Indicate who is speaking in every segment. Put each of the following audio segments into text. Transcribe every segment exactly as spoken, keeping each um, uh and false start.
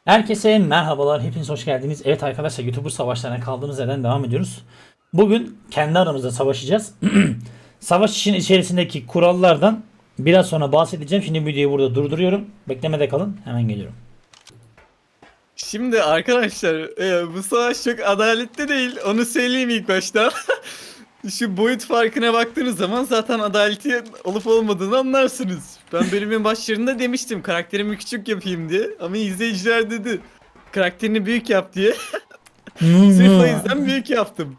Speaker 1: Herkese merhabalar, hepiniz hoş geldiniz. Evet arkadaşlar, YouTuber savaşlarına kaldığımız yerden devam ediyoruz. Bugün kendi aramızda savaşacağız. Savaş işin içerisindeki kurallardan biraz sonra bahsedeceğim. Şimdi videoyu burada durduruyorum. Beklemede kalın, hemen geliyorum.
Speaker 2: Şimdi arkadaşlar e, bu savaş çok adaletli değil, onu söyleyeyim ilk başta. Şu boyut farkına baktığınız zaman zaten adaleti olup olmadığını anlarsınız. Ben bölümün başlarında demiştim karakterimi küçük yapayım diye, ama izleyiciler dedi karakterini büyük yap diye. Sırf o yüzden büyük yaptım.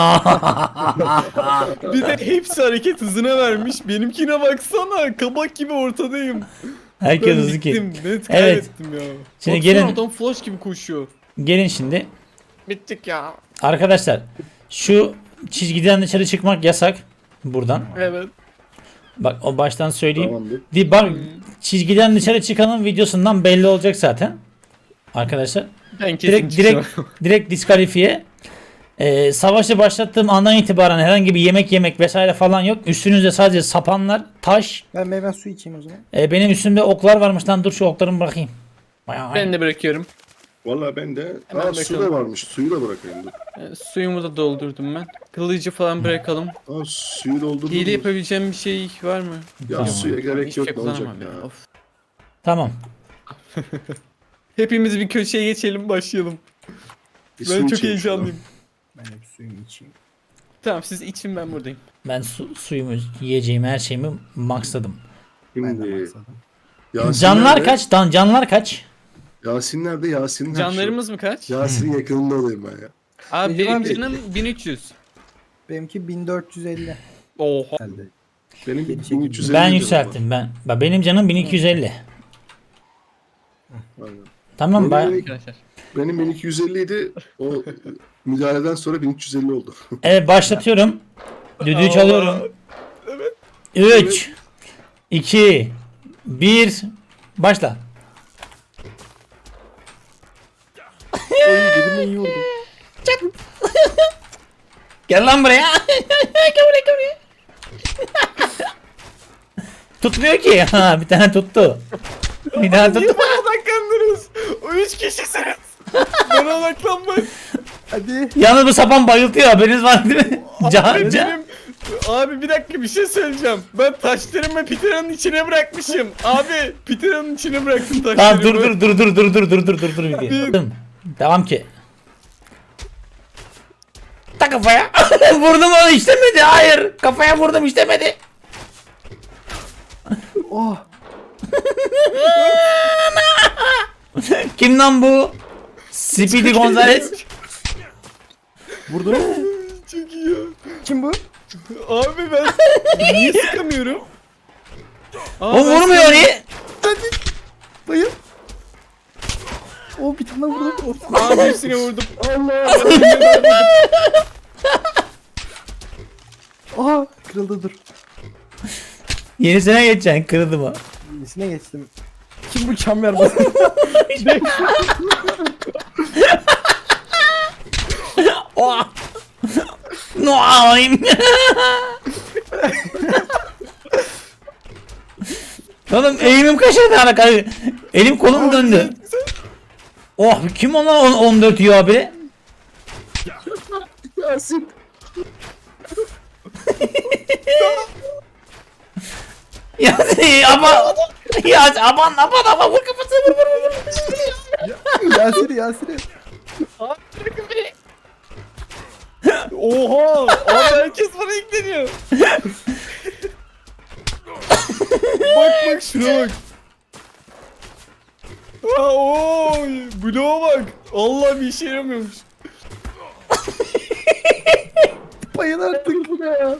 Speaker 2: Bir de hepsi hareket hızına vermiş, benimkine baksana kabak gibi ortadayım.
Speaker 1: Herkes
Speaker 2: Ben
Speaker 1: hızlı ki.
Speaker 2: bittim, net
Speaker 1: Evet.
Speaker 2: kaybettim ya.
Speaker 1: Şimdi
Speaker 2: Baksana,
Speaker 1: gelin-
Speaker 2: adam flash gibi koşuyor.
Speaker 1: Gelin şimdi.
Speaker 2: Bittik ya.
Speaker 1: Arkadaşlar, şu çizgiden dışarı çıkmak yasak. Buradan.
Speaker 2: Evet.
Speaker 1: Bak, o baştan söyleyeyim.
Speaker 3: Tamamdır.
Speaker 1: Di bak, çizgiden dışarı çıkanın videosundan belli olacak zaten. Arkadaşlar.
Speaker 2: Ben kesin
Speaker 1: Direkt direkt direkt diskalifiye. Ee, savaşı başlattığım andan itibaren herhangi bir yemek yemek vesaire falan yok. Üstünüzde sadece sapanlar, taş.
Speaker 4: Ben meyve suyu içeyim o zaman.
Speaker 1: Ee, benim üstümde oklar varmış lan, dur şu oklarımı bırakayım. Bayağı-
Speaker 2: Ben de bırakıyorum.
Speaker 3: Valla ben de
Speaker 2: Hemen
Speaker 3: aa, su da
Speaker 2: bakalım.
Speaker 3: varmış. Suyu da bırakayım. Dur.
Speaker 2: Ee, suyumu da doldurdum ben. Kılıcı falan bırakalım.
Speaker 3: Aa, suyu doldurdum.
Speaker 2: Hile yapabileceğim bir şey var mı?
Speaker 3: Ya
Speaker 1: Tamam.
Speaker 3: suya gerek
Speaker 2: Hiçbir
Speaker 3: yok,
Speaker 2: şey
Speaker 3: ne olacak
Speaker 2: kullanamam
Speaker 3: ya.
Speaker 2: ya. Of.
Speaker 1: Tamam.
Speaker 2: Hepimiz bir köşeye geçelim, başlayalım.
Speaker 3: Bir
Speaker 2: Ben
Speaker 3: su
Speaker 2: çok
Speaker 3: içeyim şuradan.
Speaker 2: heyecanlıyım.
Speaker 4: Ben de bir suyumu içeyim.
Speaker 2: Tamam, siz için, ben buradayım.
Speaker 1: Ben su, suyumu, yiyeceğimi, her şeyimi maxladım.
Speaker 4: Ben de
Speaker 3: Şimdi
Speaker 4: maksadım.
Speaker 3: Yasin
Speaker 1: Canlar
Speaker 3: nerede?
Speaker 1: kaç? Dan canlar kaç?
Speaker 3: Yasin nerede? Yasin'in her
Speaker 2: Canlarımız mı kaç?
Speaker 3: şey- Yasin'in yakınında olayım ben ya.
Speaker 2: Abi
Speaker 4: Benim
Speaker 2: benim
Speaker 4: abi-
Speaker 2: canım bin üç yüz.
Speaker 4: Benimki bin dört yüz elli
Speaker 2: Oha.
Speaker 4: geldi.
Speaker 3: Benim
Speaker 4: Yedi
Speaker 3: bin üç yüz elli
Speaker 1: Ben
Speaker 3: canım
Speaker 1: yükselttim ben. Bak, benim canım bin iki yüz elli.
Speaker 3: var. Aynen.
Speaker 1: Tamam
Speaker 3: Benim-
Speaker 1: ben.
Speaker 2: Arkadaşlar.
Speaker 3: Benim bin iki yüz elli idi. O müdahaleden sonra bin üç yüz elli oldu.
Speaker 1: Evet, başlatıyorum. Düdüğü
Speaker 2: Allah.
Speaker 1: çalıyorum. üç iki bir Başla.
Speaker 4: Oy dedim iyi vurdum.
Speaker 1: Gel lan buraya. Gel buraya, gel buraya. Tutmuyor ki. Ha, bir tane tuttu. Bir tane
Speaker 2: Niye
Speaker 1: tuttu.
Speaker 2: bana odaklandınız? O üç kişisiniz. Bana odaklanmayın.
Speaker 4: Hadi.
Speaker 1: Yalnız bu sapan bayıltıyor, haberiniz var değil mi? Can,
Speaker 2: Abi,
Speaker 1: can.
Speaker 2: benim- abi bir dakika, bir şey söyleyeceğim. Ben taşlarımı Peter'ın içine bırakmışım. Abi Peter'ın içine bıraktım taşlarımı.
Speaker 1: Tamam, dur dur dur dur dur dur dur dur dur dur video. Devam ki. Ta kafaya. Vurdum, onu işlemedi. Hayır. Kafaya vurdum, işlemedi.
Speaker 4: Oh.
Speaker 1: Kim lan bu? Speedy Gonzales.
Speaker 4: Vurdun mu?
Speaker 2: Çok iyi ya.
Speaker 4: Kim bu?
Speaker 2: Abi ben niye sıkamıyorum? Aa,
Speaker 1: O
Speaker 2: ben
Speaker 1: vurmuyor
Speaker 2: sıkamıyorum.
Speaker 1: niye?
Speaker 4: Bayıl. Oh bir tane vurdum. Oh.
Speaker 2: Aa, birisine vurdum. Allah. ben birine vurdum.
Speaker 4: Aha kırıldı dur.
Speaker 1: Yenisine geçeceksin, kırıldı mı?
Speaker 4: Yenisine geçtim. Kim bu çamber basın?
Speaker 1: Oh. Noaim. Oğlum eğimim kaçırdı alakalı. Elim kolum döndü. Oh, kim ona on- 14 yiyor abi?
Speaker 3: Yasin.
Speaker 1: Ya ama ya aman aman aman, vur kafasını, vur vur vur.
Speaker 4: Yasir Yasir.
Speaker 2: Abi bırakın beni. Oha! Abi herkes bana yükleniyor. Bak bak şuna bak. Aa, oy, bloğa bak. Allah, bir işe yaramıyormuş.
Speaker 4: Bayıl artık bu ne ya?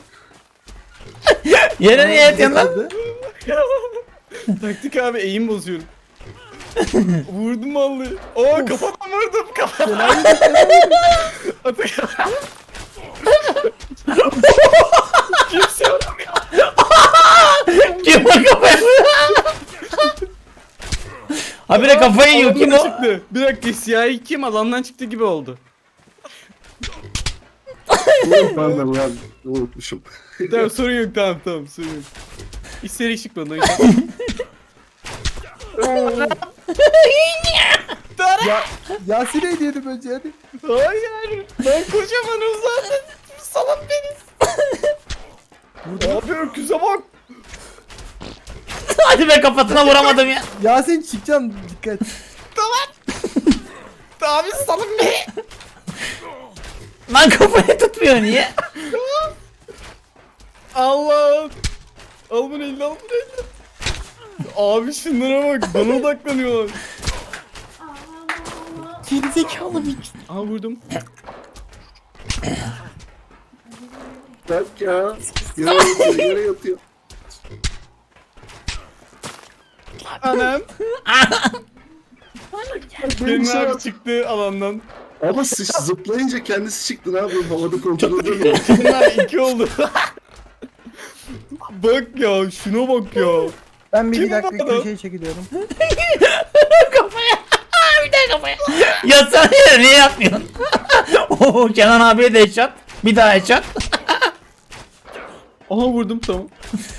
Speaker 1: Yere niye yatıyorsun lan?
Speaker 4: Hadi.
Speaker 2: Taktik abi, eğim bozuyorum. Vurdum vallahi. Aa, kafadan vurdum, kafadan. Atakan. Kimse yok.
Speaker 1: Kim o kafaya? Habire kafayı yiyor, kim
Speaker 2: Alandan
Speaker 1: o?
Speaker 2: çıktı. Bir dakika, siyahi kim alandan çıktı gibi oldu.
Speaker 3: Pardon ya, unutmuşum.
Speaker 2: Tamam, sorun yok, tamam tamam, sorun yok. İsteri çıkmadı o yüzden.
Speaker 4: Ya Yasin'e hediyeydim önce hadi.
Speaker 2: Hayır. Ben kocamanım zaten. Salın beni. Abi öküze bak.
Speaker 1: Hadi be, kafasına vuramadım ya.
Speaker 4: Yasin çıkacağım dikkat.
Speaker 2: Abi salın beni.
Speaker 1: Lan kafayı tutmuyor niye?
Speaker 2: Allah. Al bunu eline, al bunu eline. Abi şunlara bak, bana odaklanıyorlar.
Speaker 4: Gerizekalı bir.
Speaker 2: Aha vurdum.
Speaker 3: Bak ya. Yere yatıyor, yere yatıyor.
Speaker 2: Anam. Kerim
Speaker 3: Neyse.
Speaker 2: abi çıktı alandan.
Speaker 3: Ama sıç zıplayınca kendisi çıktı, ne yapayım, havada kontrol edemiyor.
Speaker 2: Kerim abi iki oldu. Bak ya, şuna bak ya.
Speaker 4: Ben bir,
Speaker 2: Kim
Speaker 4: bir dakika
Speaker 2: bu adam?
Speaker 4: köşeye çekiliyorum.
Speaker 1: Kafaya. Bir daha kafaya. Yatsana yere, niye yapmıyorsun? Oo, Kenan abiye de headshot. Bir daha headshot.
Speaker 2: Aha vurdum, tamam.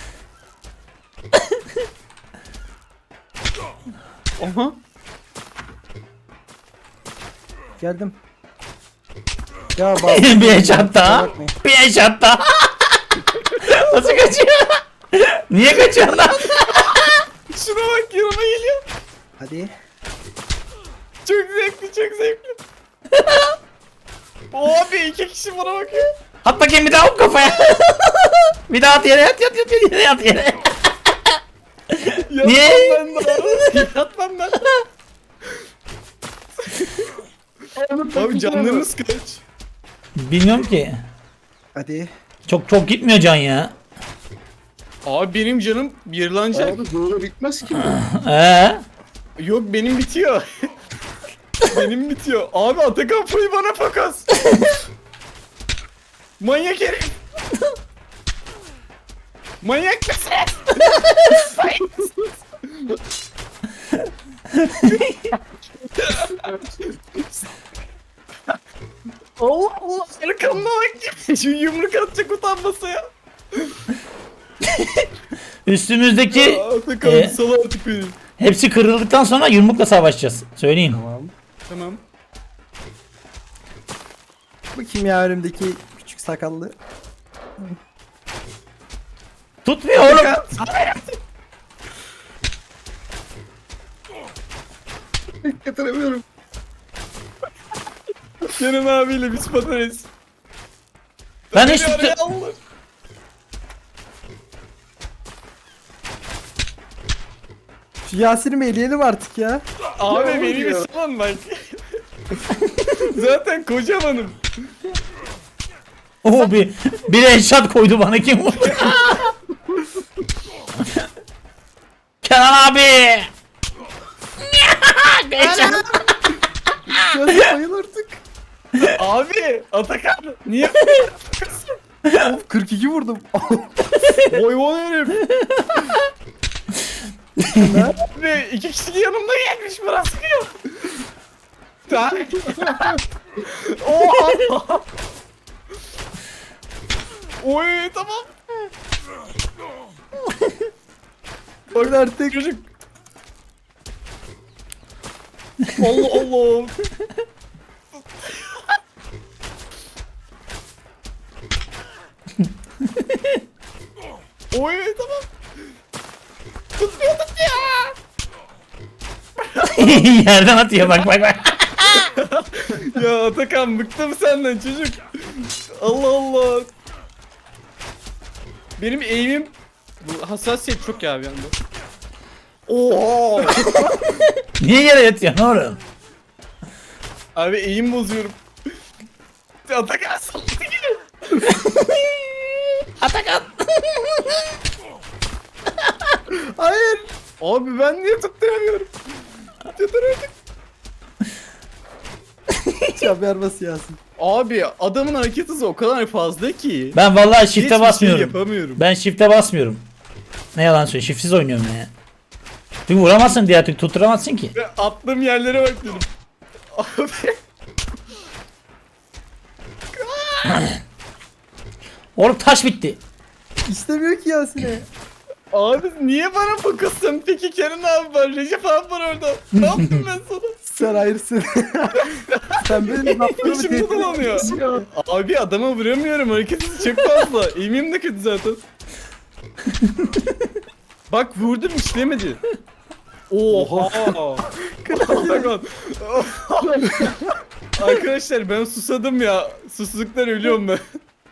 Speaker 2: Aha.
Speaker 4: Geldim. Ya bak.
Speaker 1: bir headshot daha.
Speaker 4: Bakmayın.
Speaker 1: Bir headshot daha. Nasıl kaçıyor? Niye kaçıyorsun lan?
Speaker 2: Şuna bak, yanıma geliyor.
Speaker 4: Hadi.
Speaker 2: Çok zevkli, çok zevkli. Abi iki kişi bana bakıyor.
Speaker 1: At bakayım bir daha, hop kafaya. Bir daha at yere, yat yat yat yere, yat yere.
Speaker 2: Yat
Speaker 1: Niye?
Speaker 2: lan ben de. Yat lan ben. Abi canlarınız kaç?
Speaker 1: Bilmiyorum ki.
Speaker 4: Hadi.
Speaker 1: Çok çok gitmiyor can ya.
Speaker 2: Abi benim canım yırlanacak.
Speaker 3: Abi böyle bitmez ki.
Speaker 1: Ee?
Speaker 2: Yok benim bitiyor. Benim bitiyor. Abi Atakan Foy bana fakas. Manyak herif. Manyak mısın? Allah Allah. Arkamda bak. Şu yumruk atacak utanmasa ya.
Speaker 1: Üstümüzdeki
Speaker 2: Atakan
Speaker 1: e,
Speaker 2: sal artık beni.
Speaker 1: hepsi kırıldıktan sonra yumrukla savaşacağız. Söyleyeyim.
Speaker 4: Tamam.
Speaker 2: Tamam.
Speaker 4: Bakayım ya önümdeki küçük sakallı.
Speaker 1: Tutmuyor oğlum.
Speaker 3: Getiremiyorum.
Speaker 2: Kenan abiyle biz patates.
Speaker 1: Ben
Speaker 2: Beni
Speaker 1: hiç tut-
Speaker 2: araya aldılar.
Speaker 4: Şu Yasin'i mi eleyelim artık ya?
Speaker 2: Abi
Speaker 3: Ya
Speaker 2: beni bir
Speaker 3: ya.
Speaker 2: salın bak. Zaten kocamanım.
Speaker 1: Oo, bir bir headshot koydu bana, kim vurdu? Kenan abi. Headshot.
Speaker 4: Yasin bayıl artık.
Speaker 2: Abi Atakan niye?
Speaker 4: Of kırk iki vurdum.
Speaker 2: Hayvan herif. Abi iki kişi yanımda gelmiş, bana sıkıyor. Ta- Oha. Oy tamam.
Speaker 4: Bak artık.
Speaker 2: Çocuk. Allah Allah. Oy tamam. Tutmuyor tutmuyor.
Speaker 1: Yerden atıyor, bak bak bak.
Speaker 2: Ya Atakan bıktım senden çocuk. Allah Allah. Benim eğimim, bu hassasiyet çok ya bir anda. Oha.
Speaker 1: Niye yere yatıyorsun oğlum?
Speaker 2: Abi eğim bozuyorum. Atakan salladı geliyor.
Speaker 1: Atakan.
Speaker 4: Hayır.
Speaker 2: Abi ben niye tutturamıyorum? Yeter artık.
Speaker 4: Çamber bas Yasin.
Speaker 2: Abi adamın hareket hızı o kadar fazla ki.
Speaker 1: Ben vallahi
Speaker 2: hiçbir
Speaker 1: shift'e
Speaker 2: şey
Speaker 1: basmıyorum.
Speaker 2: yapamıyorum.
Speaker 1: Ben shift'e basmıyorum. Ne yalan söyleyeyim, shiftsiz oynuyorum ya. Çünkü vuramazsın diye artık, tutturamazsın ki.
Speaker 2: Ve attığım yerlere bak dedim. Abi.
Speaker 1: Oğlum taş bitti.
Speaker 4: İstemiyor ki Yasin'e.
Speaker 2: Abi niye bana fokussun? Peki Kenan abi var, Recep abi var orada. Ne yaptım ben sana?
Speaker 4: Sen hayırsın. Sen benim laflarımı
Speaker 2: İçim
Speaker 4: tehdit
Speaker 2: bulamıyor. Abi adama vuramıyorum, hareketi çok fazla. Eğimim de kötü zaten. Bak vurdum işlemedi. Oha. Pardon. Arkadaşlar ben susadım ya. Susuzluktan ölüyorum ben.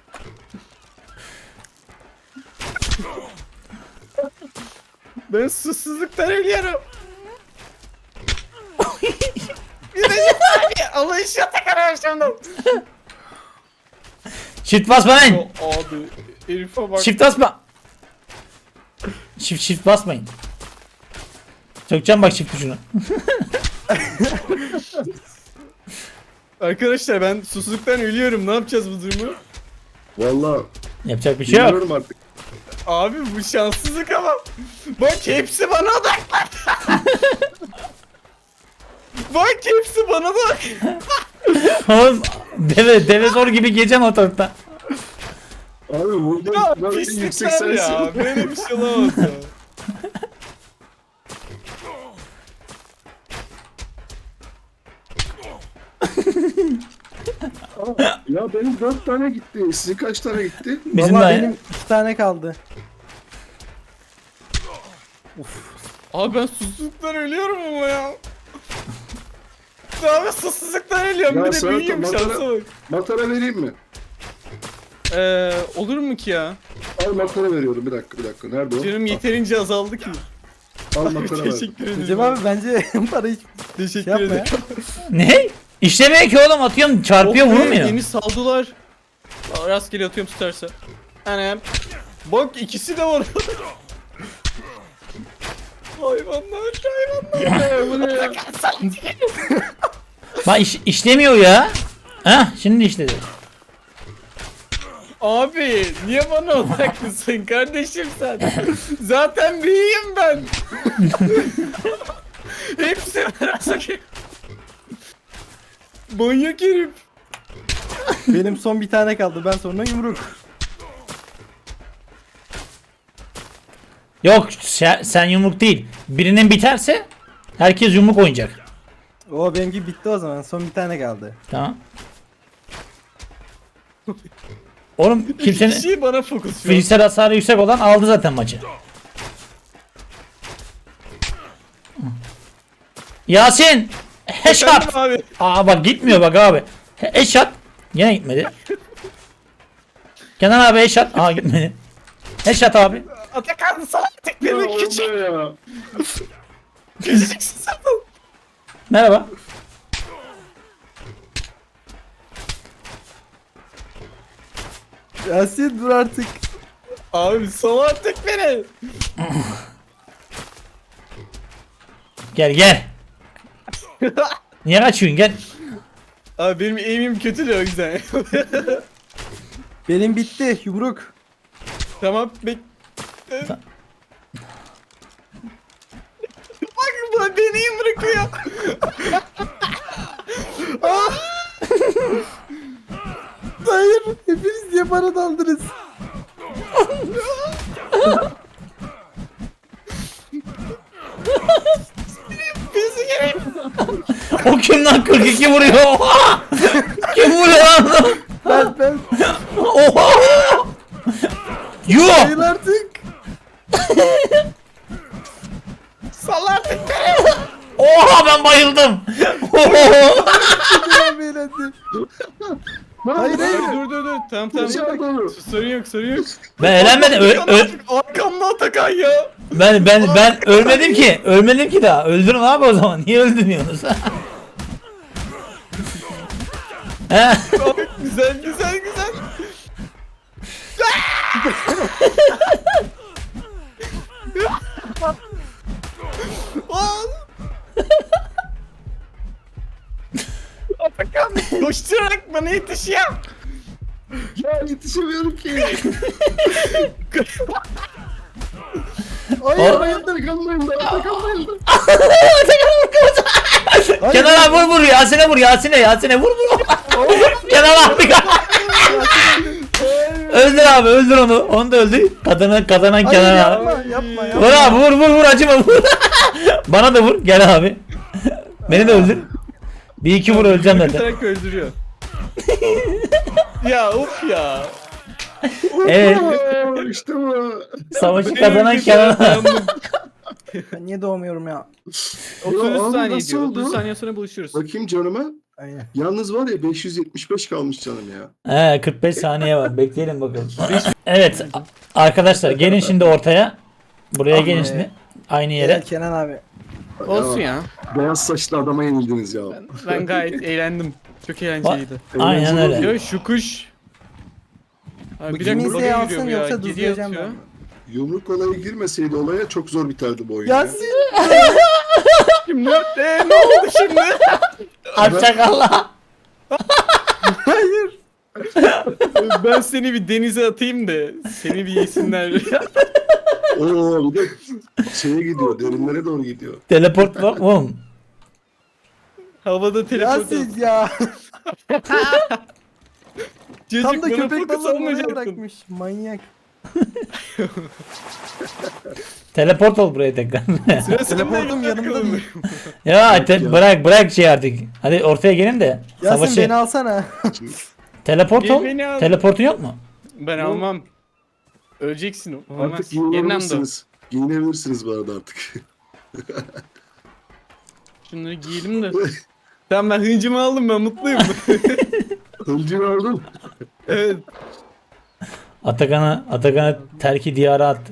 Speaker 2: Ben susuzluktan ölüyorum. Bir Recep abi Allah iş yatak arkadaşlarımdan.
Speaker 1: Shift basma lan.
Speaker 2: Abi herife bak.
Speaker 1: Shift basma. Shift shift basmayın. Sökeceğim bak shift tuşunu.
Speaker 2: Arkadaşlar ben susuzluktan ölüyorum. Ne yapacağız bu durumu?
Speaker 3: Valla
Speaker 1: Yapacak bir şey yok.
Speaker 3: bilmiyorum artık.
Speaker 2: Abi bu şanssızlık ama. Bak hepsi bana odaklandı. Bak hepsi bana bak.
Speaker 1: Oğlum deve deve zor gibi geçen ortalıkta.
Speaker 3: Abi burada
Speaker 2: Ya
Speaker 3: ben en yüksek
Speaker 2: pislikler ya.
Speaker 3: sensin.
Speaker 2: Böyle bir şey olamaz ya.
Speaker 3: Ya benim dört tane gitti. Sizin kaç tane gitti?
Speaker 1: Bizim
Speaker 4: Valla
Speaker 1: de
Speaker 4: benim iki tane kaldı.
Speaker 2: Abi ben susuzluktan ölüyorum ama ya. Abi susuzluktan ölüyorum.
Speaker 3: Ya
Speaker 2: Bir de
Speaker 3: sana
Speaker 2: büyüğüm
Speaker 3: da
Speaker 2: şansa
Speaker 3: matara-
Speaker 2: bak.
Speaker 3: Matara vereyim mi?
Speaker 2: Eee olur mu ki ya?
Speaker 3: Al matara veriyorum. Bir dakika bir dakika. Nerede o?
Speaker 2: Canım yeterince azaldı ki.
Speaker 3: Al matara ver.
Speaker 2: Teşekkür ederim.
Speaker 4: Recep abi bence para hiç
Speaker 2: Teşekkür
Speaker 4: şey yapma ya.
Speaker 2: ederim.
Speaker 1: Ne? İşlemiyor ki oğlum, atıyorum çarpıyor
Speaker 2: Oh be,
Speaker 1: vurmuyor.
Speaker 2: Yeni saldılar. Aa, rastgele atıyorum tutarsa. Anam. Bak ikisi de var. Hayvanlar, hayvanlar.
Speaker 3: Bu ne ya?
Speaker 1: Bak iş, işlemiyor ya. Heh şimdi işledi.
Speaker 2: Abi niye bana odaklısın kardeşim sen? Zaten büyüğüm ben. Hepsi bana sakın. Manyak herif.
Speaker 4: Benim son bir tane kaldı. Ben sonra yumruk.
Speaker 1: Yok sen, sen yumruk değil. Birinin biterse herkes yumruk oynayacak.
Speaker 4: O benimki bitti o zaman. Son bir tane kaldı.
Speaker 1: Tamam. Oğlum
Speaker 2: İki
Speaker 1: kimsenin
Speaker 2: kişi bana fokus şu an.
Speaker 1: fiziksel hasarı yüksek olan aldı zaten maçı. Yasin! Headshot!
Speaker 2: Efendim abi.
Speaker 1: Aa bak gitmiyor bak abi. He- Headshot! Yine gitmedi. Kenan abi headshot. Aa gitmedi. Headshot abi.
Speaker 2: Atakan sana tek
Speaker 3: Ya
Speaker 2: bir
Speaker 3: oldu
Speaker 2: küçük.
Speaker 3: ya.
Speaker 2: Küçücüksün sen.
Speaker 1: Merhaba.
Speaker 4: Yasin dur artık.
Speaker 2: Abi sana tek beni.
Speaker 1: Gel gel. Niye kaçıyorsun gel.
Speaker 2: Abi benim aim'im kötü de o yüzden.
Speaker 4: Benim bitti. Yumruk.
Speaker 2: Tamam bek...
Speaker 1: Ta-
Speaker 2: Bak bu beni bırakıyor.
Speaker 4: Hayır. Hepiniz niye bana daldınız?
Speaker 2: Bizi gerek.
Speaker 1: O kim lan, kırk iki vuruyor. Oha! Kim vuruyor lan?
Speaker 4: Ben ben.
Speaker 1: Oha! Yuh!
Speaker 4: Hayır artık.
Speaker 2: Salla tek beni.
Speaker 1: Oha ben bayıldım. Oha!
Speaker 4: Ben eğlendim. Hayır hayır.
Speaker 2: Dur dur dur. Tamam tamam.
Speaker 3: Dışarıda olur.
Speaker 2: Sorun yok sorun yok.
Speaker 1: Ben eğlenmedim. Ö- ö-
Speaker 2: Arkamda Atakan ya.
Speaker 1: ben ben ben ölmedim ki. Ölmedim ki daha. Öldürün abi o zaman. Niye öldürmüyorsunuz? He?
Speaker 2: Abi güzel güzel güzel. Aa! Atakan koşturarak bana yetişiyor.
Speaker 3: Ya yetişemiyorum ki.
Speaker 4: Hayır
Speaker 1: O-
Speaker 4: hayır.
Speaker 3: Atakan bayıldı. Atakan bayıldı.
Speaker 1: Kenan abi vur vur Yasin'e vur Yasin'e Yasin'e vur vur. Kenan abi. Öldür abi öldür onu. Onu da öldür. Kadını kazanan
Speaker 4: Hayır
Speaker 1: Kenan abi.
Speaker 4: yapma yapma yapma.
Speaker 1: Vur abi vur vur vur acıma vur. Bana da vur gel abi. Beni de öldür. Bir iki vur öleceğim zaten.
Speaker 2: Kıtarak öldürüyor. Ya of ya.
Speaker 1: Evet.
Speaker 3: Oo, işte bu.
Speaker 1: Savaşı kazanan Kenan abi.
Speaker 4: Ben niye doğmuyorum ya?
Speaker 2: otuz
Speaker 3: Ya abi
Speaker 2: saniye
Speaker 3: nasıl
Speaker 2: diyor.
Speaker 3: oldu?
Speaker 2: otuz saniye sonra buluşuruz.
Speaker 3: Bakayım canıma.
Speaker 4: Aynen.
Speaker 3: Yalnız var ya beş yüz yetmiş beş kalmış canım ya.
Speaker 1: He kırk beş saniye var. Bekleyelim bakalım. Evet a- arkadaşlar gelin şimdi ortaya. Buraya gelin şimdi. Aynı yere.
Speaker 4: Evet Kenan abi.
Speaker 2: Olsun ya.
Speaker 3: Beyaz saçlı adama yenildiniz ya.
Speaker 2: Ben, ben gayet eğlendim. Çok eğlenceliydi.
Speaker 1: Aynen
Speaker 3: Eğlenceli
Speaker 1: öyle.
Speaker 2: Ya şu kuş. Abi bir
Speaker 3: Bakayım
Speaker 2: dakika
Speaker 4: Kimseyi
Speaker 2: buraya
Speaker 4: alsın
Speaker 2: yürüyor bu ya.
Speaker 4: yoksa
Speaker 2: Geriye
Speaker 4: dızlayacağım
Speaker 2: atıyor.
Speaker 4: ben.
Speaker 3: Yumruk olayı girmeseydi olaya çok zor biterdi bu oyun. ya.
Speaker 4: Yasin.
Speaker 2: Şimdi ee, ne oldu şimdi?
Speaker 1: Hoşçakalla.
Speaker 4: Hayır.
Speaker 2: Ben seni bir denize atayım da seni bir yesinler.
Speaker 3: Oo bir de şeye gidiyor, derinlere doğru gidiyor.
Speaker 1: Teleport var oğlum.
Speaker 2: Havada telefon.
Speaker 4: Yasin ya.
Speaker 2: Cacık
Speaker 4: Tam da
Speaker 2: bana
Speaker 4: köpek
Speaker 2: fokus
Speaker 4: balığını oraya
Speaker 2: almayacaktın.
Speaker 4: bırakmış. Manyak.
Speaker 1: Teleport ol buraya tekrar.
Speaker 2: Sıra sende
Speaker 4: Teleportum
Speaker 2: yok
Speaker 4: yanımda
Speaker 2: bakalım.
Speaker 4: değil.
Speaker 1: ya te-
Speaker 3: ya.
Speaker 1: bırak bırak şey artık. Hadi ortaya gelin de.
Speaker 4: Yasin
Speaker 1: Savaşı.
Speaker 4: beni alsana.
Speaker 1: Teleport
Speaker 2: Gel
Speaker 1: ol.
Speaker 2: beni al.
Speaker 1: Teleportun yok mu?
Speaker 2: Ben almam. Öleceksin o. Olmaz.
Speaker 3: Artık
Speaker 2: Yeniden doğ.
Speaker 3: giyinebilirsiniz. Giyinebilirsiniz bu arada artık.
Speaker 2: Şunları giyelim de. Tamam ben hıncımı aldım ben mutluyum.
Speaker 3: Hıncını aldın.
Speaker 2: Evet.
Speaker 1: Atakan'a Atakan'a terki diyara attı.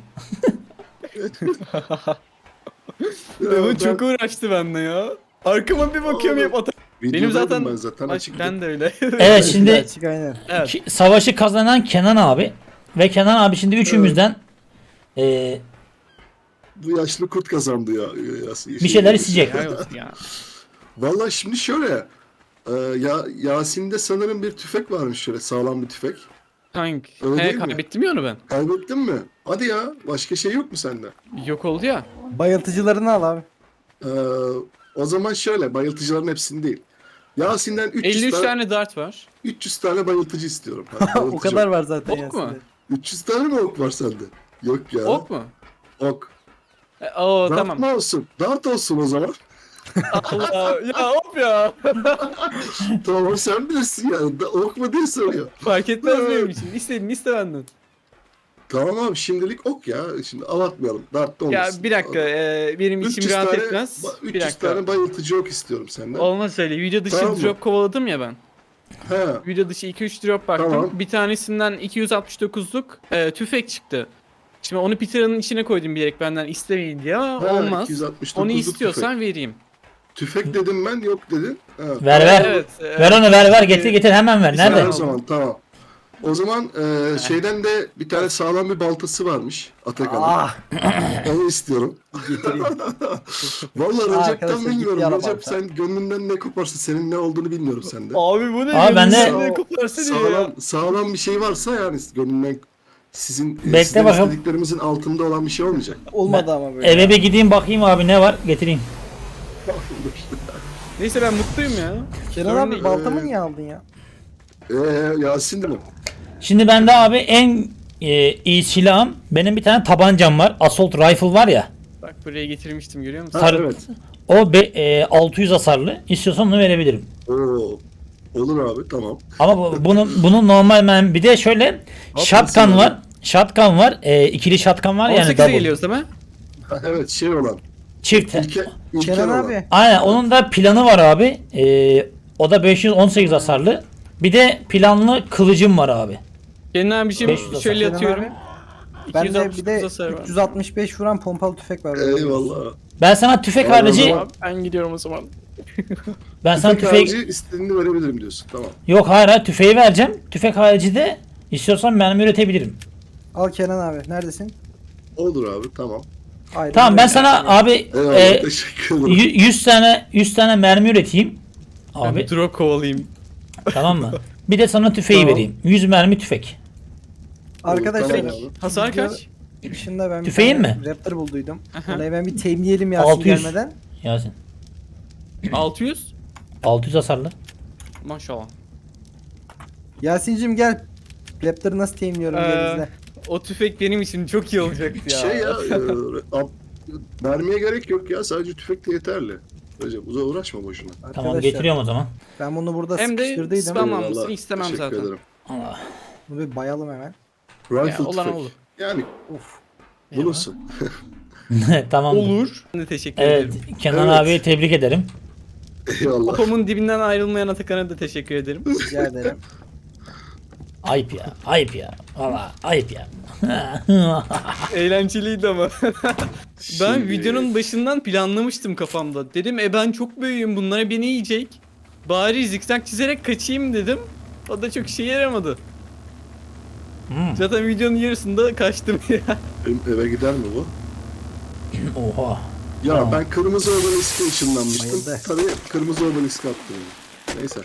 Speaker 3: Ya
Speaker 2: Ama
Speaker 3: ben
Speaker 2: çok uğraştı benimle ya. Arkama bir bakıyorum hep ata. Benim
Speaker 3: videodaydım
Speaker 2: zaten,
Speaker 3: ben zaten
Speaker 2: Aç,
Speaker 3: açıkta.
Speaker 2: ben de öyle.
Speaker 1: Evet şimdi
Speaker 4: Açık aynen.
Speaker 2: Evet.
Speaker 1: ki- savaşı kazanan Kenan abi ve Kenan abi şimdi üçümüzden eee,
Speaker 3: Bu yaşlı kurt kazandı ya. ya
Speaker 1: bir şeyler isteyecek.
Speaker 2: Helal olsun ya.
Speaker 3: Valla şimdi şöyle. E, ya Yasin'de sanırım bir tüfek varmış şöyle sağlam bir tüfek.
Speaker 2: Tank.
Speaker 3: Öyle
Speaker 2: He
Speaker 3: değil mi?
Speaker 2: kaybettim ya onu ben.
Speaker 3: Kaybettin mi? Hadi ya. Başka şey yok mu sende?
Speaker 2: Yok oldu ya.
Speaker 4: Bayıltıcılarını al abi.
Speaker 3: Ee, o zaman şöyle bayıltıcıların hepsini değil. Yasin'den üç yüz
Speaker 2: elli üç
Speaker 3: tane,
Speaker 2: tane dart var.
Speaker 3: üç yüz tane bayıltıcı istiyorum. Ha,
Speaker 4: o
Speaker 3: bayıltıcı
Speaker 4: kadar
Speaker 3: ok.
Speaker 4: var zaten
Speaker 2: Ok mu?
Speaker 4: Yasin'de.
Speaker 3: üç yüz tane mi ok var sende? Yok ya.
Speaker 2: Ok mu?
Speaker 3: Ok.
Speaker 2: E, oo
Speaker 3: Dart
Speaker 2: tamam.
Speaker 3: mı olsun? Dart olsun o zaman.
Speaker 2: Allah ya hop ya.
Speaker 3: Tamam sen bilirsin ya. Da- Ok mu diye soruyor.
Speaker 2: Fark etmez benim için. İstediğini iste benden.
Speaker 3: Tamam abi şimdilik ok ya. Şimdi avatmayalım. Dart da
Speaker 2: Ya
Speaker 3: olmasın.
Speaker 2: bir dakika e, benim içim
Speaker 3: üç yüz
Speaker 2: rahat
Speaker 3: tane,
Speaker 2: etmez.
Speaker 3: ba-
Speaker 2: Bir
Speaker 3: üç yüz
Speaker 2: dakika.
Speaker 3: tane bayıltıcı ok istiyorum senden.
Speaker 2: Olmaz öyle. Video dışı
Speaker 3: Tamam mı?
Speaker 2: drop kovaladım ya ben.
Speaker 3: He.
Speaker 2: Video dışı iki üç drop baktım.
Speaker 3: Tamam.
Speaker 2: Bir tanesinden iki yüz altmış dokuzluk e, tüfek çıktı. Şimdi onu Peter'ın içine koydum bilerek benden istemeyin diye ama
Speaker 3: Ha,
Speaker 2: olmaz.
Speaker 3: iki yüz altmış dokuzluk
Speaker 2: Onu istiyorsan vereyim.
Speaker 3: Tüfek. tüfek dedim ben yok dedin. Ha.
Speaker 1: Ver ver.
Speaker 2: Evet. e,
Speaker 1: Ver onu ver ver getir getir hemen ver.
Speaker 3: Ver
Speaker 1: Nerede?
Speaker 3: o zaman tamam. O zaman e, şeyden de bir tane sağlam bir baltası varmış Atakan'ın.
Speaker 4: Ah.
Speaker 3: Onu istiyorum.
Speaker 4: Getireyim.
Speaker 3: Vallahi
Speaker 4: Aa,
Speaker 3: Recep'ten
Speaker 4: arkadaşlar, gitti
Speaker 3: bilmiyorum.
Speaker 4: yara
Speaker 3: Recep
Speaker 4: balta.
Speaker 3: sen gönlünden ne koparsa senin ne olduğunu bilmiyorum sende.
Speaker 2: Abi bu ne?
Speaker 1: Abi ben de-
Speaker 2: Gönlümden ne koparsa diyor ya.
Speaker 3: Sağlam, sağlam bir şey varsa yani gönlünden sizin
Speaker 1: Bekle
Speaker 3: sizden
Speaker 1: bakalım.
Speaker 3: istediklerimizin altında olan bir şey olmayacak.
Speaker 4: Olmadı ama böyle.
Speaker 1: Eve bir gideyim bakayım abi ne var getireyim.
Speaker 2: Neyse ben mutluyum ya.
Speaker 4: Kenan
Speaker 2: Sorun
Speaker 4: abi
Speaker 2: değil.
Speaker 4: baltamı niye aldın ya?
Speaker 3: Eee Yasin değil mi?
Speaker 1: Şimdi bende abi en e, iyi silahım benim bir tane tabancam var. Assault rifle var ya.
Speaker 2: Bak buraya getirmiştim görüyor musun?
Speaker 3: Ha,
Speaker 1: Sarı-
Speaker 3: evet.
Speaker 1: O be, e, altı yüz hasarlı. İstiyorsan onu verebilirim.
Speaker 3: Oo. Olur abi tamam.
Speaker 1: Ama bu, bunun bunun normal ben bir de şöyle shotgun
Speaker 3: abi?
Speaker 1: var. Shotgun var. E, ikili shotgun var
Speaker 2: on
Speaker 1: yani
Speaker 2: sekize
Speaker 1: double.
Speaker 2: geliyoruz değil mi?
Speaker 3: Ha, evet şey olan.
Speaker 1: Çift.
Speaker 3: İlke, İlker
Speaker 4: Kenan
Speaker 3: olan.
Speaker 4: abi.
Speaker 1: Aynen onun da planı var abi. E, o da beş yüz on sekiz hasarlı. Bir de planlı kılıcım var abi.
Speaker 2: Kenan bir şey
Speaker 1: beş yüz hasar.
Speaker 2: şöyle
Speaker 4: Kenan
Speaker 2: atıyorum.
Speaker 4: abi. Ben de bir de
Speaker 2: hasar var.
Speaker 4: üç yüz altmış beş vuran pompalı tüfek var.
Speaker 3: Eyvallah.
Speaker 1: Ben sana tüfek
Speaker 3: Aynen
Speaker 1: harici
Speaker 3: öyle.
Speaker 2: Abi, ben gidiyorum o zaman.
Speaker 1: ben sana
Speaker 3: Tüfek
Speaker 1: tüfek
Speaker 3: harici istediğini verebilirim diyorsun. Tamam.
Speaker 1: yok hayır, hayır tüfeği vereceğim. Tüfek harici de istiyorsan mermi üretebilirim.
Speaker 4: Al Kenan abi. Neredesin?
Speaker 3: Olur abi tamam.
Speaker 4: Aynen
Speaker 1: Tamam ben
Speaker 4: öyle.
Speaker 1: sana abi
Speaker 3: Eyvallah
Speaker 1: e,
Speaker 3: teşekkür ederim.
Speaker 1: y- yüz tane yüz tane mermi üreteyim.
Speaker 2: Abi.
Speaker 1: Abi
Speaker 2: Ben bir drop kovalayayım.
Speaker 1: tamam mı? Bir de sana tüfeği
Speaker 3: Tamam.
Speaker 1: vereyim. yüz mermi tüfek.
Speaker 4: Arkadaşlar
Speaker 3: Tamam abi.
Speaker 2: Hasar
Speaker 4: video
Speaker 2: kaç?
Speaker 4: dışında ben bir
Speaker 1: Tüfeğin
Speaker 4: tane
Speaker 1: mi?
Speaker 4: Raptor bulduydum.
Speaker 2: Aha.
Speaker 4: Onu hemen bir teminleyelim Yasin
Speaker 1: altı yüz.
Speaker 4: gelmeden.
Speaker 1: Yasin.
Speaker 2: altı yüz.
Speaker 1: altı yüz hasarlı.
Speaker 2: Maşallah.
Speaker 4: Yasin'cim gel. Raptor'ı nasıl teamliyorum diye
Speaker 2: Ee,
Speaker 4: bizde.
Speaker 2: O tüfek benim için çok iyi olacaktı ya.
Speaker 3: Şey ya, e, ab- mermiye gerek yok ya, sadece tüfek de yeterli. Recep uza uğraşma boşuna.
Speaker 1: Tamam
Speaker 4: Arkadaşlar,
Speaker 1: getiriyorum o zaman.
Speaker 4: ben bunu burada
Speaker 2: Hem de
Speaker 4: sıkıştırdıydım.
Speaker 2: spam
Speaker 3: Eyvallah,
Speaker 2: almasını istemem
Speaker 3: teşekkür
Speaker 2: zaten.
Speaker 3: ederim.
Speaker 1: Allah.
Speaker 4: Bunu bir bayalım hemen.
Speaker 3: Rifle
Speaker 2: Ya, olan
Speaker 3: tüfek.
Speaker 2: olur.
Speaker 3: Yani
Speaker 4: Uf.
Speaker 3: bulursun.
Speaker 1: Tamam.
Speaker 2: Olur. Ben de teşekkür
Speaker 1: Evet,
Speaker 2: ederim.
Speaker 1: Kenan
Speaker 3: Evet.
Speaker 1: abiye tebrik ederim.
Speaker 3: Eyvallah.
Speaker 2: Popomun dibinden ayrılmayan Atakan'a da teşekkür ederim.
Speaker 4: Rica ederim.
Speaker 1: Ayıp ya, ayıp ya. Valla ayıp ya.
Speaker 2: Eğlenceliydi ama. Ben
Speaker 3: Şimdi-
Speaker 2: videonun başından planlamıştım kafamda. Dedim e ben çok büyüğüm, bunlara beni yiyecek. Bari zikzak çizerek kaçayım dedim. O da çok işe yaramadı.
Speaker 1: Hmm.
Speaker 2: Zaten videonun yarısında kaçtım ya.
Speaker 3: Benim eve gider mi bu?
Speaker 1: Oha.
Speaker 3: Ya
Speaker 1: Tamam.
Speaker 3: ben kırmızı obeliske ışınlanmıştım.
Speaker 4: Bayıldı.
Speaker 3: Tabii kırmızı obeliske attım. Neyse.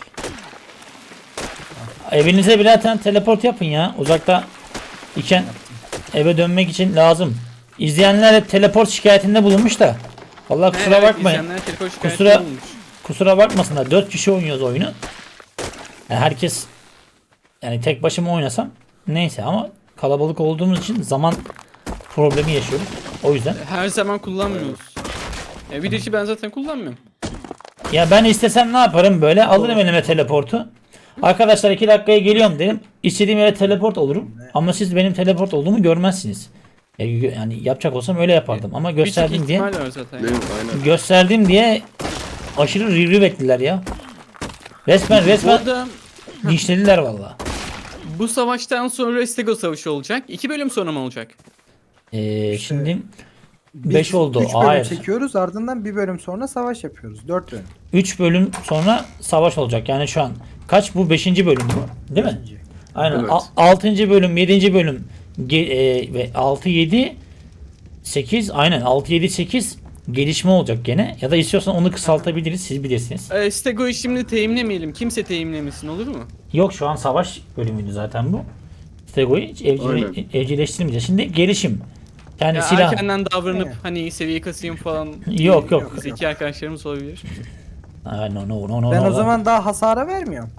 Speaker 1: Evinize birer tane teleport yapın ya. Uzakta iken eve dönmek için lazım. İzleyenler hep teleport şikayetinde bulunmuş da. Vallahi kusura
Speaker 2: Evet,
Speaker 1: bakmayın.
Speaker 2: izleyenler telefon şikayeti
Speaker 1: Kusura-
Speaker 2: olmuş.
Speaker 1: Kusura bakmasınlar. dört kişi oynuyoruz oyunu. Yani herkes yani tek başıma oynasam neyse ama kalabalık olduğumuz için zaman problemi yaşıyoruz. O yüzden.
Speaker 2: Her zaman kullanmıyoruz. Ya video içi ben zaten kullanmıyorum.
Speaker 1: Ya ben istesem ne yaparım böyle alırım elime teleportu. Arkadaşlar iki dakikaya geliyorum derim. İstediğim yere teleport olurum. Ama siz benim teleport olduğumu görmezsiniz. Ya- Yani yapacak olsam öyle yapardım ama
Speaker 2: Birçok
Speaker 1: gösterdim diye
Speaker 2: ihtimal var zaten.
Speaker 3: Değil mi? Aynen.
Speaker 1: gösterdim diye aşırı review ettiler ya. Resmen
Speaker 2: Bu
Speaker 1: resmen
Speaker 2: arada
Speaker 1: dişlediler valla.
Speaker 2: bu savaştan sonra Stego Savaşı olacak. İki bölüm sonra mı olacak?
Speaker 1: Ee,
Speaker 4: İşte
Speaker 1: şimdi
Speaker 4: Biz
Speaker 1: beş oldu.
Speaker 4: üç bölüm
Speaker 1: Hayır.
Speaker 4: çekiyoruz, ardından bir bölüm sonra savaş yapıyoruz. dört bölüm.
Speaker 1: üç bölüm sonra savaş olacak. Yani şu an kaç bu beşinci bölüm bu? Değil mi?
Speaker 4: Beşinci.
Speaker 1: Aynen.
Speaker 3: Evet.
Speaker 1: altıncı bölüm, yedinci bölüm ge- e, ve altı yedi sekiz aynen altı yedi sekiz gelişme olacak gene. Ya da istiyorsan onu kısaltabiliriz. Siz bilirsiniz.
Speaker 2: Ee, Stego'yu şimdi teyimlemeyelim. Kimse teyimlemesin, olur mu?
Speaker 1: Yok şu an savaş bölümüydü zaten bu. Stego'yu hiç evcil,
Speaker 3: Aynen.
Speaker 1: evcilleştirmeyeceğiz. Şimdi gelişim. Yani
Speaker 2: Ya
Speaker 1: silah.
Speaker 2: erkenden davranıp
Speaker 4: Evet.
Speaker 2: hani seviye kasayım falan.
Speaker 1: Yok yok.
Speaker 2: Zeki arkadaşlarımız olabilir.
Speaker 1: Aa, no, no, no, no,
Speaker 4: Ben
Speaker 1: no,
Speaker 4: o
Speaker 1: no.
Speaker 4: zaman daha hasara vermiyorum.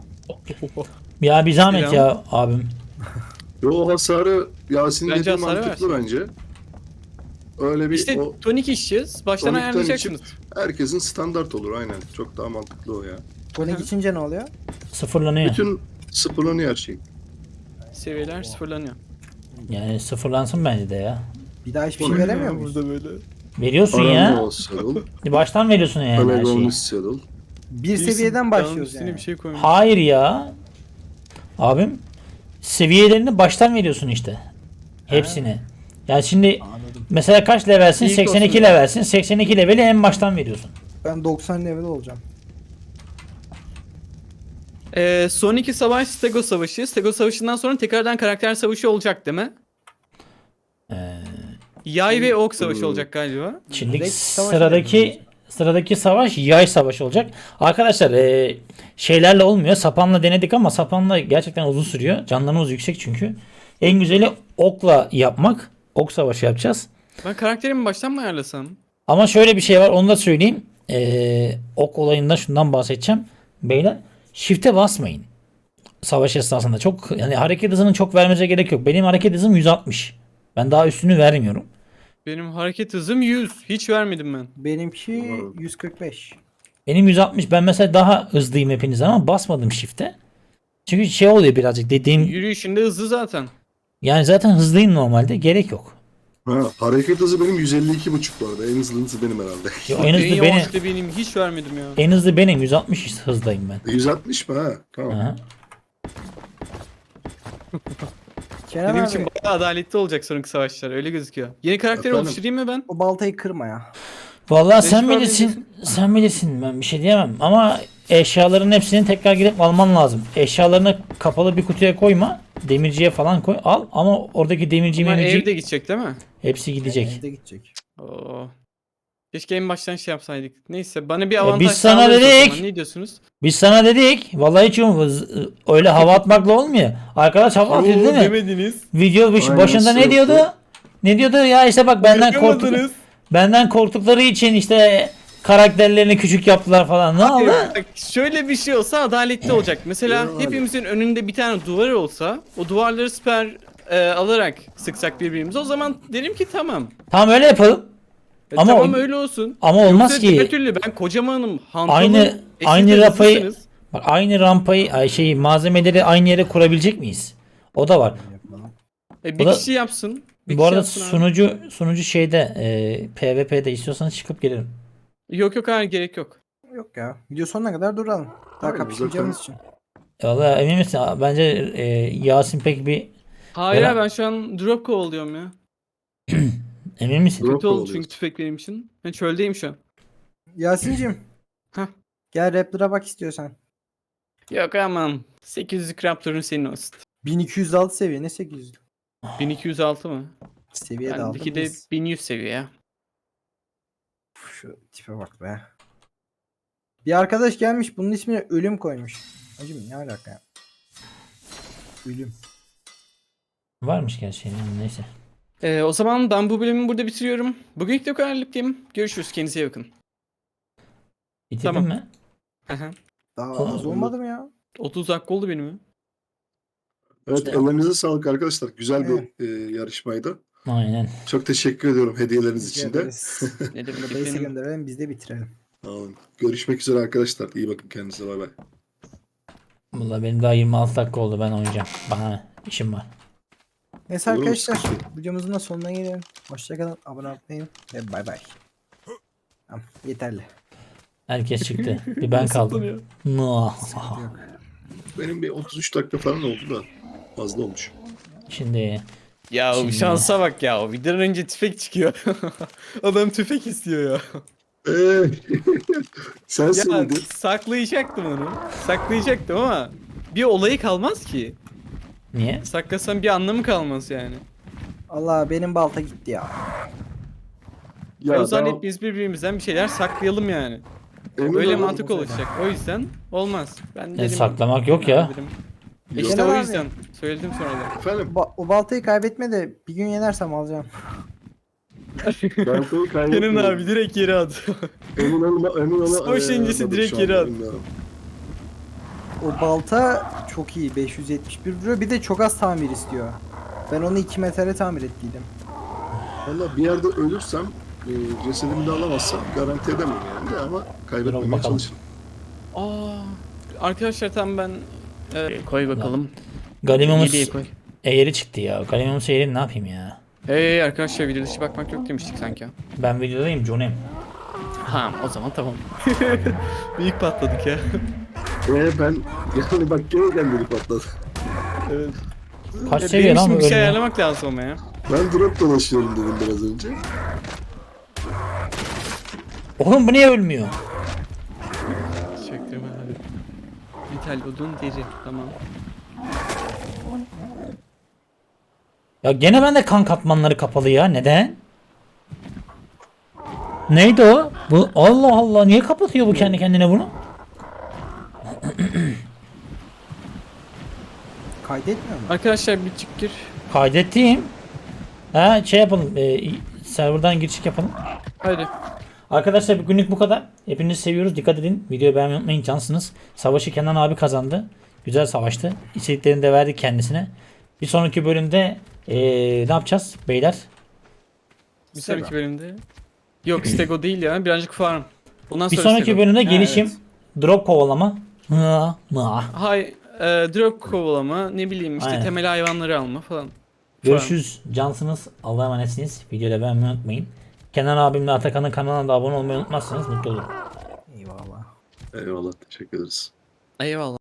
Speaker 1: Ya bir zahmet
Speaker 2: Selam.
Speaker 1: ya abim.
Speaker 3: Yo, o hasarı Yasin
Speaker 2: Bence
Speaker 3: dediği
Speaker 2: hasarı
Speaker 3: mantıklı bence. Öyle bir
Speaker 2: İşte
Speaker 3: o
Speaker 2: tonik içeceğiz. Baştan
Speaker 3: tonikten
Speaker 2: ayarlayacaksınız.
Speaker 3: herkesin standart olur aynen. Çok daha mantıklı o ya.
Speaker 4: Tonik içince ne oluyor?
Speaker 1: Sıfırlanıyor.
Speaker 3: Bütün sıfırlanıyor her şey.
Speaker 2: Seviyeler sıfırlanıyor.
Speaker 1: Yani sıfırlansın bence de ya.
Speaker 4: Bir daha hiçbir
Speaker 3: O
Speaker 4: şey
Speaker 3: ne
Speaker 4: veremiyor muyuz?
Speaker 2: böyle.
Speaker 1: Veriyorsun ya.
Speaker 3: Arango Saddle,
Speaker 1: Baştan veriyorsun yani her şeyi.
Speaker 3: Pelagonus Saddle.
Speaker 4: Bir seviyeden başlıyoruz
Speaker 2: Üstüne
Speaker 4: yani.
Speaker 2: bir şey koymuş.
Speaker 1: Hayır ya. Abim seviyelerini baştan veriyorsun işte. Hepsini. Yani şimdi
Speaker 4: Anladım.
Speaker 1: mesela kaç levelsin?
Speaker 2: İlk
Speaker 1: seksen iki
Speaker 2: olsun ya.
Speaker 1: levelsin. seksen iki leveli en baştan veriyorsun.
Speaker 4: Ben doksan level olacağım.
Speaker 2: Ee, son iki savaş Stego Savaşı. Stego Savaşı'ndan sonra tekrardan karakter savaşı olacak değil mi?
Speaker 1: Ee,
Speaker 2: Yay ve ok savaşı olacak galiba.
Speaker 1: Şimdi
Speaker 4: Direkt savaş
Speaker 1: sıradaki
Speaker 4: verelim
Speaker 1: sıradaki savaş yay savaşı olacak. Arkadaşlar e, şeylerle olmuyor. Sapanla denedik ama sapanla gerçekten uzun sürüyor. Canlarımız yüksek çünkü. En güzeli okla yapmak. Ok savaşı yapacağız.
Speaker 2: Ben karakterimi baştan mı ayarlasam?
Speaker 1: Ama şöyle bir şey var onu da söyleyeyim. Ee, ok olayında şundan bahsedeceğim. Beyler shift'e basmayın. Savaş esnasında çok yani hareket hızının çok vermenize gerek yok. Benim hareket hızım yüz altmış. Ben daha üstünü vermiyorum.
Speaker 2: Benim hareket hızım yüz. Hiç vermedim ben.
Speaker 4: Benimki
Speaker 3: Umarım.
Speaker 4: yüz kırk beş.
Speaker 1: Benim yüz altmış. Ben mesela daha hızlıyım hepinizden ama basmadım shift'e. Çünkü şey oluyor birazcık dediğim
Speaker 2: Yürüyüşünde hızlı zaten.
Speaker 1: yani zaten hızlıyım normalde gerek yok.
Speaker 3: Ha, hareket hızı benim yüz elli iki buçuk bu arada. En hızlı hızı benim herhalde.
Speaker 1: Ya en
Speaker 2: En
Speaker 1: hızlı benim.
Speaker 2: yavaş da benim. Hiç vermedim ya.
Speaker 1: En hızlı benim yüz altmış hızdayım ben.
Speaker 3: yüz altmış mı ha? Tamam.
Speaker 1: Aha.
Speaker 4: Kenan
Speaker 2: Benim
Speaker 4: abi
Speaker 2: için bayağı adaletli olacak sonraki savaşlar. Öyle gözüküyor. Yeni karakter
Speaker 3: Efendim?
Speaker 2: oluşturayım mı ben?
Speaker 4: o baltayı kırma ya.
Speaker 1: Vallahi sen
Speaker 2: Mecbur
Speaker 1: bilirsin. Sen bilirsin. Ben bir şey diyemem. Ama eşyaların hepsini tekrar gidip alman lazım. Eşyalarını kapalı bir kutuya koyma. Demirciye falan koy. Al ama oradaki demirci
Speaker 2: Ama
Speaker 1: memirci
Speaker 2: evde gidecek değil mi?
Speaker 1: hepsi gidecek.
Speaker 4: Evde gidecek.
Speaker 2: Oo. Keşke en baştan şey yapsaydık. Neyse bana bir
Speaker 1: E,
Speaker 2: avantaj
Speaker 1: biz sana
Speaker 2: sağlarız o
Speaker 1: dedik.
Speaker 2: zaman. Ne diyorsunuz?
Speaker 1: Biz sana dedik. Vallahi hiç yok. Öyle hava atmakla olmuyor. Arkadaş hava atıyor değil mi?
Speaker 2: demediniz.
Speaker 1: Video baş-
Speaker 3: Aynen,
Speaker 1: başında ne
Speaker 3: sürekli.
Speaker 1: diyordu? Ne diyordu ya işte bak benden korktuk.
Speaker 2: Yapamadınız.
Speaker 1: Benden korktukları için işte karakterlerini küçük yaptılar falan. Ne oldu?
Speaker 2: Bak, şöyle bir şey olsa adaletli olacak. Mesela
Speaker 3: Ya.
Speaker 2: hepimizin önünde bir tane duvar olsa o duvarları siper e, alarak sıksak birbirimize o zaman derim ki tamam.
Speaker 1: Tamam öyle yapalım.
Speaker 2: E,
Speaker 1: Ama
Speaker 2: tamam
Speaker 1: o-
Speaker 2: öyle olsun.
Speaker 1: Ama olmaz
Speaker 2: Yoksa
Speaker 1: ki.
Speaker 2: diğer türlü ben kocamanım. Hantalım.
Speaker 1: Aynı
Speaker 2: e, siz
Speaker 1: aynı
Speaker 2: de
Speaker 1: rampayı
Speaker 2: hızlısınız.
Speaker 1: bak aynı rampayı ay şey malzemeleri aynı yere kurabilecek miyiz? O da var.
Speaker 2: E, bir
Speaker 1: Bu da-
Speaker 2: kişi yapsın. Bir
Speaker 1: Bu
Speaker 2: kişi
Speaker 1: arada
Speaker 2: yapsın abi.
Speaker 1: sunucu sunucu şeyde e, PvP'de istiyorsanız çıkıp gelirim.
Speaker 2: Yok yok hayır gerek yok.
Speaker 4: Yok ya. Video sonuna kadar duralım. Daha
Speaker 3: Aynen,
Speaker 4: kapışmayacağımız için.
Speaker 1: Valla emin misin? Bence e, Yasin pek bir
Speaker 2: Hayır
Speaker 1: Beren-
Speaker 2: abi, ben şu an drop kovalıyorum ya.
Speaker 1: emin misin?
Speaker 3: Drop
Speaker 2: Kötü oldu
Speaker 3: kovalıyorsun.
Speaker 2: çünkü tüfek benim için. Ben çöldeyim şu an.
Speaker 4: Yasin'cim.
Speaker 2: Heh.
Speaker 4: Gel Raptor'a bak istiyorsan.
Speaker 2: Yok aman. sekiz yüzlük Raptor'un senin olsun.
Speaker 4: bin iki yüz altı seviye ne sekiz yüz?
Speaker 2: bin iki yüz altı mı?
Speaker 4: Seviye de aldım.
Speaker 2: Bendeki de
Speaker 4: biz.
Speaker 2: bin yüz seviye ya.
Speaker 4: Uf, şu tipe bak be. Bir arkadaş gelmiş bunun ismine ölüm koymuş. Hacım ne alaka ya? Ölüm.
Speaker 1: Varmış gerçi. yani, Neyse.
Speaker 2: Ee, o zaman ben bu bölümü burada bitiriyorum. Bugünlük de bu kadarlık diyeyim. Görüşürüz. Kendinize iyi bakın.
Speaker 1: Bitirdin
Speaker 2: Tamam.
Speaker 1: mi?
Speaker 4: Daha
Speaker 1: Oğlum,
Speaker 4: az olmadı mı ya?
Speaker 2: otuz dakika oldu benim.
Speaker 3: Evet,
Speaker 1: İşte-
Speaker 3: ellerinize sağlık arkadaşlar. Güzel
Speaker 4: Evet.
Speaker 3: bir e, yarışmaydı.
Speaker 1: Aynen.
Speaker 3: Çok teşekkür ediyorum hediyeleriniz
Speaker 4: Rica
Speaker 3: için de.
Speaker 4: ederiz.
Speaker 2: Ne demek
Speaker 4: Base'e
Speaker 2: benim.
Speaker 4: gönderelim biz de bitirelim.
Speaker 3: Tamam. Görüşmek üzere arkadaşlar. İyi bakın kendinize. Bay bay.
Speaker 1: Valla benim daha yirmi altı dakika oldu, ben oynayacağım. Bana ne? İşim var.
Speaker 4: Neyse
Speaker 3: Olur mu?
Speaker 4: arkadaşlar
Speaker 3: Sıkıntı yok.
Speaker 4: videomuzun da sonuna gelelim. Hoşçakalın. Abone olmayı ve bay bay. Tamam yeterli.
Speaker 1: Herkes çıktı. Bir ben kaldım. Muah.
Speaker 4: Yok.
Speaker 3: Benim bir otuz üç dakika falan oldu da fazla olmuş.
Speaker 1: Şimdi
Speaker 2: Ya
Speaker 1: Şimdi-
Speaker 2: şansa bak ya. O videodan önce tüfek çıkıyor. Adam tüfek istiyor ya.
Speaker 3: Eee sen
Speaker 2: Ya
Speaker 3: söyledin.
Speaker 2: saklayacaktım onu. Saklayacaktım ama bir olayı kalmaz ki.
Speaker 1: niye?
Speaker 2: Saklasam bir anlamı kalmaz yani.
Speaker 4: Allah benim balta gitti ya.
Speaker 2: Ya, o zaman
Speaker 3: daha-
Speaker 2: hepimiz birbirimizden bir şeyler saklayalım yani.
Speaker 3: emin
Speaker 2: Böyle
Speaker 3: olun-
Speaker 2: mantık olacak. O yüzden olmaz. Ben dedim.
Speaker 1: saklamak yok ya.
Speaker 2: Dedim.
Speaker 3: Yok.
Speaker 2: İşte
Speaker 4: Genel
Speaker 2: o
Speaker 4: abi.
Speaker 2: yüzden söyledim sonra da.
Speaker 3: Efendim
Speaker 4: Ba- o baltayı kaybetme de bir gün yenersem alacağım.
Speaker 3: ben seni
Speaker 2: Kenan
Speaker 3: kaybetmedim.
Speaker 2: abi direkt yere at.
Speaker 3: Emin olma, emin olma.
Speaker 2: Savaş
Speaker 3: eee,
Speaker 2: öncesi
Speaker 3: anladım
Speaker 2: direkt
Speaker 3: şu
Speaker 2: geri
Speaker 3: anda,
Speaker 2: at.
Speaker 3: bilmiyorum.
Speaker 4: O balta çok iyi beş yüz yetmiş bir vuruyor bir de çok az tamir istiyor. Ben onu iki metre tamir ettiydim.
Speaker 3: Valla bir yerde ölürsem e, cesedimi de alamazsam garanti edemem yani de ama
Speaker 1: Dur
Speaker 3: kaybetmemeye
Speaker 1: bakalım.
Speaker 3: çalışırım.
Speaker 2: Aa, arkadaşlar tam ben e, koy bakalım.
Speaker 1: Galimumuz
Speaker 2: Yediye koy.
Speaker 1: eğri çıktı ya. Galimumuz eğri ne yapayım ya?
Speaker 2: Hey arkadaşlar, video dışı bakmak yok demiştik sanki.
Speaker 1: Ben videodayım John'im.
Speaker 2: Ha o zaman tamam. Büyük patladık ya.
Speaker 3: Ee ben yani bak gene kendini patladı.
Speaker 2: Evet.
Speaker 1: Kaç
Speaker 2: Ya
Speaker 1: seviye
Speaker 2: benim
Speaker 1: lan
Speaker 2: için
Speaker 1: bu
Speaker 2: bir şey
Speaker 1: ölmüyor?
Speaker 2: ayarlamak lazım ama ya.
Speaker 3: Ben drop dolaşıyorum dedim biraz önce.
Speaker 1: Oğlum bu niye ölmüyor?
Speaker 2: Çaktırma abi. Vital odun deri tamam.
Speaker 1: Ya gene bende kan katmanları kapalı ya. Neden? Neydi o? Bu Allah Allah, niye kapatıyor bu kendi kendine bunu?
Speaker 4: Kaydetmiyor mu?
Speaker 2: Arkadaşlar bir çık gir.
Speaker 1: Kaydettiğim. Ha şey yapalım. E, serverdan giriş yapalım.
Speaker 2: Hadi.
Speaker 1: Arkadaşlar bugünlük bu kadar. Hepinizi seviyoruz. Dikkat edin. Videoyu beğenmeyi unutmayın. Cansınız. Savaşı Kenan abi kazandı. Güzel savaştı. İstediklerini de verdik kendisine. Bir sonraki bölümde e, ne yapacağız beyler?
Speaker 2: Bir sonraki bölümde. Yok Stego değil ya, birazcık farm. Ondan
Speaker 1: Bir
Speaker 2: sonra
Speaker 1: sonraki
Speaker 2: Stego.
Speaker 1: bölümde
Speaker 2: Ha,
Speaker 1: gelişim.
Speaker 2: evet.
Speaker 1: Drop kovalama. Mıa, mıa.
Speaker 2: Hay, e, drop kovalama, ne bileyim işte
Speaker 1: Aynen.
Speaker 2: temel hayvanları alma falan.
Speaker 1: Görüşürüz. Cansınız. Allah'a emanetsiniz. Videoda beğenmeyi unutmayın. Kenan abimle Atakan'ın kanalına da abone olmayı unutmazsanız mutlu olurum.
Speaker 4: Eyvallah.
Speaker 3: Eyvallah teşekkür ederiz.
Speaker 2: Eyvallah.